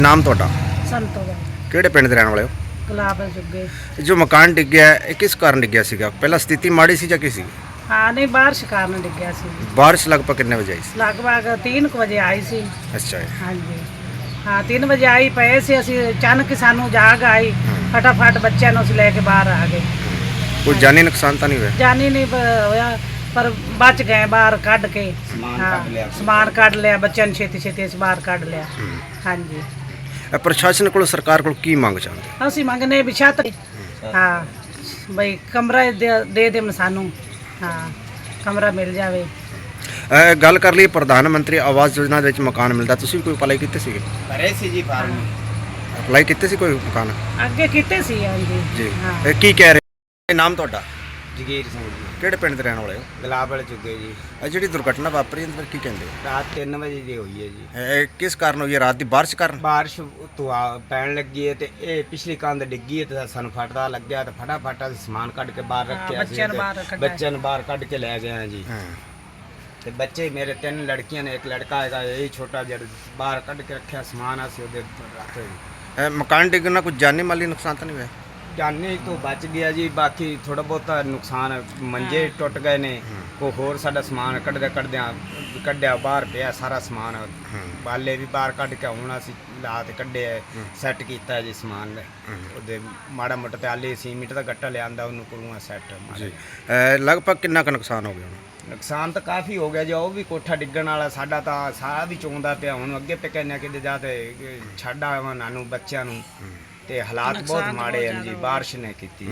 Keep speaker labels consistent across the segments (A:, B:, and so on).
A: ਨਾਮ ਤੁਹਾਡਾ?
B: ਸੰਤੋ ਦਾ
A: ਕਿਹੜੇ ਪਿੰਡ ਦੇ ਰਹਿਣ ਵਾਲੇ ਹੋ?
B: ਗੁਲਾਬ ਜੁਗੇ।
A: ਜੋ ਮਕਾਨ ਡਿੱਗਿਆ ਹੈ, ਇਹ ਕਿਸ ਕਾਰਨ ਡਿੱਗਿਆ ਸੀਗਾ? ਪਹਿਲਾਂ ਸਥਿਤੀ ਮਾੜੀ ਸੀ ਜਾਂ ਕੀ ਸੀ?
B: ਹਾਂ ਨਹੀਂ ਬਾਰਿਸ਼ ਕਾਰਨ ਡਿੱਗਿਆ ਸੀ।
A: ਬਾਰਿਸ਼ ਲਗਭਗ ਕਿੰਨੇ ਵਜੇ ਆਈ ਸੀ?
B: ਲਗਭਗ 3 ਵਜੇ ਆਈ ਸੀ।
A: ਅੱਛਾ ਜੀ।
B: ਹਾਂਜੀ ਹਾਂ 3 ਵਜੇ ਆਈ ਪਏ ਸੀ ਅਸੀਂ, ਅਚਾਨਕ ਸਾਨੂੰ ਜਾਗ ਆਈ, ਫਟਾਫਟ ਬੱਚਿਆਂ ਨੂੰ ਅਸੀਂ ਲੈ ਕੇ ਬਾਹਰ ਆ ਗਏ।
A: ਕੋਈ ਜਾਨੀ ਨੁਕਸਾਨ ਤਾਂ ਨਹੀਂ ਹੋਇਆ?
B: ਜਾਨੀ ਨਹੀਂ ਹੋਇਆ ਪਰ ਬਚ ਗਏ ਬਾਹਰ ਕੱਢ ਕੇ। ਸਮਾਨ ਕੱਢ ਲਿਆ ਬੱਚਿਆਂ ਨੂੰ, ਛੇਤੀ ਛੇਤੀ ਅਸੀਂ ਬਾਹਰ ਕੱਢ ਲਿਆ। ਹਾਂਜੀ
A: ਪ੍ਰਸ਼ਾਸਨ ਕੋਲ, ਸਰਕਾਰ ਕੋਲ ਕੀ ਮੰਗ ਚਾਹੁੰਦੇ?
B: ਅਸੀਂ ਮੰਗਨੇ ਵੀ ਛੱਤ, ਹਾਂ ਬਈ ਕਮਰਾ ਦੇ ਦੇਣ ਸਾਨੂੰ, ਹਾਂ ਕਮਰਾ ਮਿਲ ਜਾਵੇ।
A: ਗੱਲ ਕਰ ਲਈ ਪ੍ਰਧਾਨ ਮੰਤਰੀ ਆਵਾਸ ਯੋਜਨਾ ਦੇ ਵਿੱਚ ਮਕਾਨ ਮਿਲਦਾ, ਤੁਸੀਂ ਵੀ ਕੋਈ ਅਪਲਾਈ ਕੀਤੇ ਸੀਗੇ?
C: ਕਰੇ ਸੀ ਜੀ ਫਾਰਮ,
A: ਅਪਲਾਈ ਕੀਤੇ ਸੀ ਕੋਈ ਮਕਾਨ?
B: ਅੱਗੇ ਕੀਤੇ ਸੀ। ਹਾਂਜੀ
A: ਜੀ।
B: ਹਾਂ
A: ਇਹ ਕੀ ਕਹਿ ਰਹੇ? ਨਾਮ ਤੁਹਾਡਾ?
C: ਜਗੀਰ ਸਿੰਘ ਜੀ,
A: ਕਿਹੜੇ ਪਿੰਡ ਦੇ ਰਹਿਣ ਵਾਲੇ ਹੋ?
C: ਗੁਲਾਬ ਵਾਲੇ ਚੁੱਗੇ ਜੀ।
A: ਇਹ ਜਿਹੜੀ ਦੁਰਘਟਨਾ ਵਾਪਰੀ ਇਹਦੇ ਬਾਰੇ ਕੀ ਕਹਿੰਦੇ?
C: ਰਾਤ 3 ਵਜੇ ਦੀ ਹੋਈ ਹੈ ਜੀ।
A: ਇਹ ਕਿਸ ਕਾਰਨ ਹੋਈ ਹੈ? ਰਾਤ ਦੀ ਬਾਰਿਸ਼ ਕਾਰਨ?
C: ਬਾਰਿਸ਼ ਤੋਂ ਪੈਣ ਲੱਗੀ ਹੈ ਤੇ ਇਹ ਪਿਛਲੀ ਕੰਧ ਡਿੱਗੀ ਹੈ ਤੇ ਸਾਨੂੰ ਫਟਦਾ ਲੱਗਿਆ ਤੇ ਫਟਾਫਟ ਅਸੀਂ ਸਮਾਨ ਕੱਢ ਕੇ ਬਾਹਰ ਰੱਖਿਆ ਸੀ
B: ਬੱਚਿਆਂ ਨੂੰ ਬਾਹਰ ਕੱਢਿਆ।
C: ਬੱਚਿਆਂ ਨੂੰ ਬਾਹਰ ਕੱਢ ਕੇ ਲੈ ਗਏ ਹਾਂ ਜੀ।
A: ਹਾਂ।
C: ਤੇ ਬੱਚੇ ਮੇਰੇ 3 ਲੜਕੀਆਂ ਨੇ, ਇੱਕ ਲੜਕਾ ਹੈਗਾ, ਇਹ ਛੋਟਾ ਜਿਹੜਾ ਬਾਹਰ ਕੱਢ ਕੇ ਰੱਖਿਆ ਸਮਾਨ ਅਸੀਂ ਉਹਦੇ ਰੱਖੇ ਜੀ।
A: ਇਹ ਮਕਾਨ ਡਿੱਗਣ ਨਾਲ ਕੋਈ ਜਾਨੀ ਮਾਲੀ ਨੁਕਸਾਨ ਤਾਂ ਨਹੀਂ ਹੋਇਆ?
C: ਜਾਨੀ ਤੋਂ ਬਚ ਗਿਆ ਜੀ, ਬਾਕੀ ਥੋੜਾ ਬਹੁਤਾ ਨੁਕਸਾਨ, ਮੰਜੇ ਟੁੱਟ ਗਏ ਨੇ, ਕੋਈ ਹੋਰ ਸਾਡਾ ਸਮਾਨ ਕੱਢਿਆ ਬਾਹਰ ਪਿਆ ਸਾਰਾ ਸਮਾਨ, ਬਾਲੇ ਵੀ ਬਾਹਰ ਕੱਢ ਕੇ ਹੁਣ ਅਸੀਂ ਲਾ ਤੇ ਕੱਢਿਆ, ਸੈੱਟ ਕੀਤਾ ਜੀ ਸਮਾਨ। ਉਹਦੇ ਮਾੜਾ ਮੋਟਾ ਤੇ ਆਲੇ ਸੀਮਿੰਟ ਦਾ ਗੱਟਾ ਲਿਆਂਦਾ, ਉਹਨੂੰ ਕਰੂੰਗਾ ਸੈੱਟ।
A: ਜੀ। ਲਗਭਗ ਕਿੰਨਾ ਕੁ ਨੁਕਸਾਨ ਹੋ ਗਿਆ ਹੁਣ?
C: ਨੁਕਸਾਨ ਤਾਂ ਕਾਫੀ ਹੋ ਗਿਆ ਜੀ, ਉਹ ਵੀ ਕੋਠਾ ਡਿੱਗਣ ਵਾਲਾ, ਸਾਡਾ ਤਾਂ ਸਾਰਾ ਵੀ ਚੋਂਦਾ ਪਿਆ। ਹੁਣ ਅੱਗੇ ਤੇ ਕਹਿੰਦੇ ਕਿਤੇ ਜਾ ਤੇ ਛੱਡ ਆਵਾਂ ਨਾਨੂੰ ਬੱਚਿਆਂ ਨੂੰ, ਤੇ ਹਾਲਾਤ ਬਹੁਤ ਮਾੜੇ ਹਨ ਜੀ, ਬਾਰਿਸ਼ ਨੇ ਕੀਤੀ।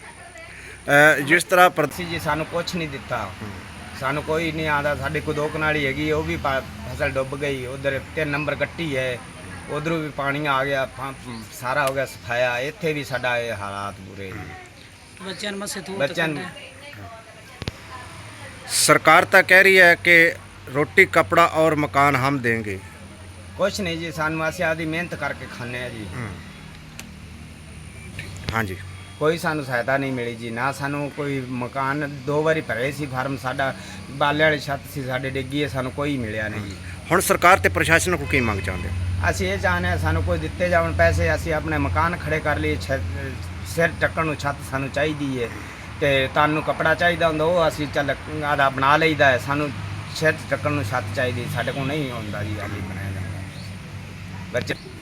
A: ਜਿਸ ਤਰ੍ਹਾਂ
C: ਪ੍ਰਤੀ ਜੀ ਸਾਨੂੰ ਕੁਛ ਨਹੀਂ ਦਿੱਤਾ, ਸਾਨੂੰ ਕੋਈ ਨਹੀਂ ਆਉਂਦਾ। ਸਾਡੀ ਕੋਈ 2 ਕਨਾਲੀ ਹੈਗੀ, ਉਹ ਵੀ ਫਸਲ ਡੁੱਬ ਗਈ। ਉਧਰ 3 ਨੰਬਰ ਕੱਟੀ ਹੈ, ਉਧਰੋਂ ਵੀ ਪਾਣੀ ਆ ਗਿਆ, ਸਾਰਾ ਹੋ ਗਿਆ ਸਫਾਇਆ। ਇੱਥੇ ਵੀ ਸਾਡਾ ਇਹ ਹਾਲਾਤ ਬੁਰੇ ਨੇ।
B: ਬੱਚਿਆਂ ਨੂੰ ਮਸੇ ਤੂੰ
C: ਬੱਚਿਆਂ ਨੂੰ
A: सरकार तो कह रही है कि रोटी कपड़ा और मकान हम देंगे।
C: कुछ नहीं जी, सानू असीं आदी मेहनत करके खाने जी।
A: हाँ जी।
C: कोई सानू सहायता नहीं मिली जी, ना सानू कोई मकान 2 बारी भरे सी फार्म, साडा बाले वाली छत सी साडे डिग्गी है, सानू कोई मिलिया नहीं जी।
A: हुण सरकार ते प्रशासन को की मंग चाहते?
C: असीं ये चाहने सानू कोई दिते जावन पैसे, असीं अपने मकान खड़े कर लिए, सिर टक्कण नूं छत सानू चाहिदी है, ਤੇ ਤੁਹਾਨੂੰ ਕੱਪੜਾ ਚਾਹੀਦਾ ਹੁੰਦਾ ਉਹ ਅਸੀਂ ਚੱਲ ਆਦਾ ਬਣਾ ਲਈਦਾ ਹੈ। ਸਾਨੂੰ ਸਿਰ ਟੱਕਣ ਨੂੰ ਛੱਤ ਚਾਹੀਦੀ, ਸਾਡੇ ਕੋਲ ਨਹੀਂ ਹੁੰਦਾ ਜੀ, ਆਲੀ ਬਣਾਇਆ ਜਾਂਦਾ ਬੱਚੇ।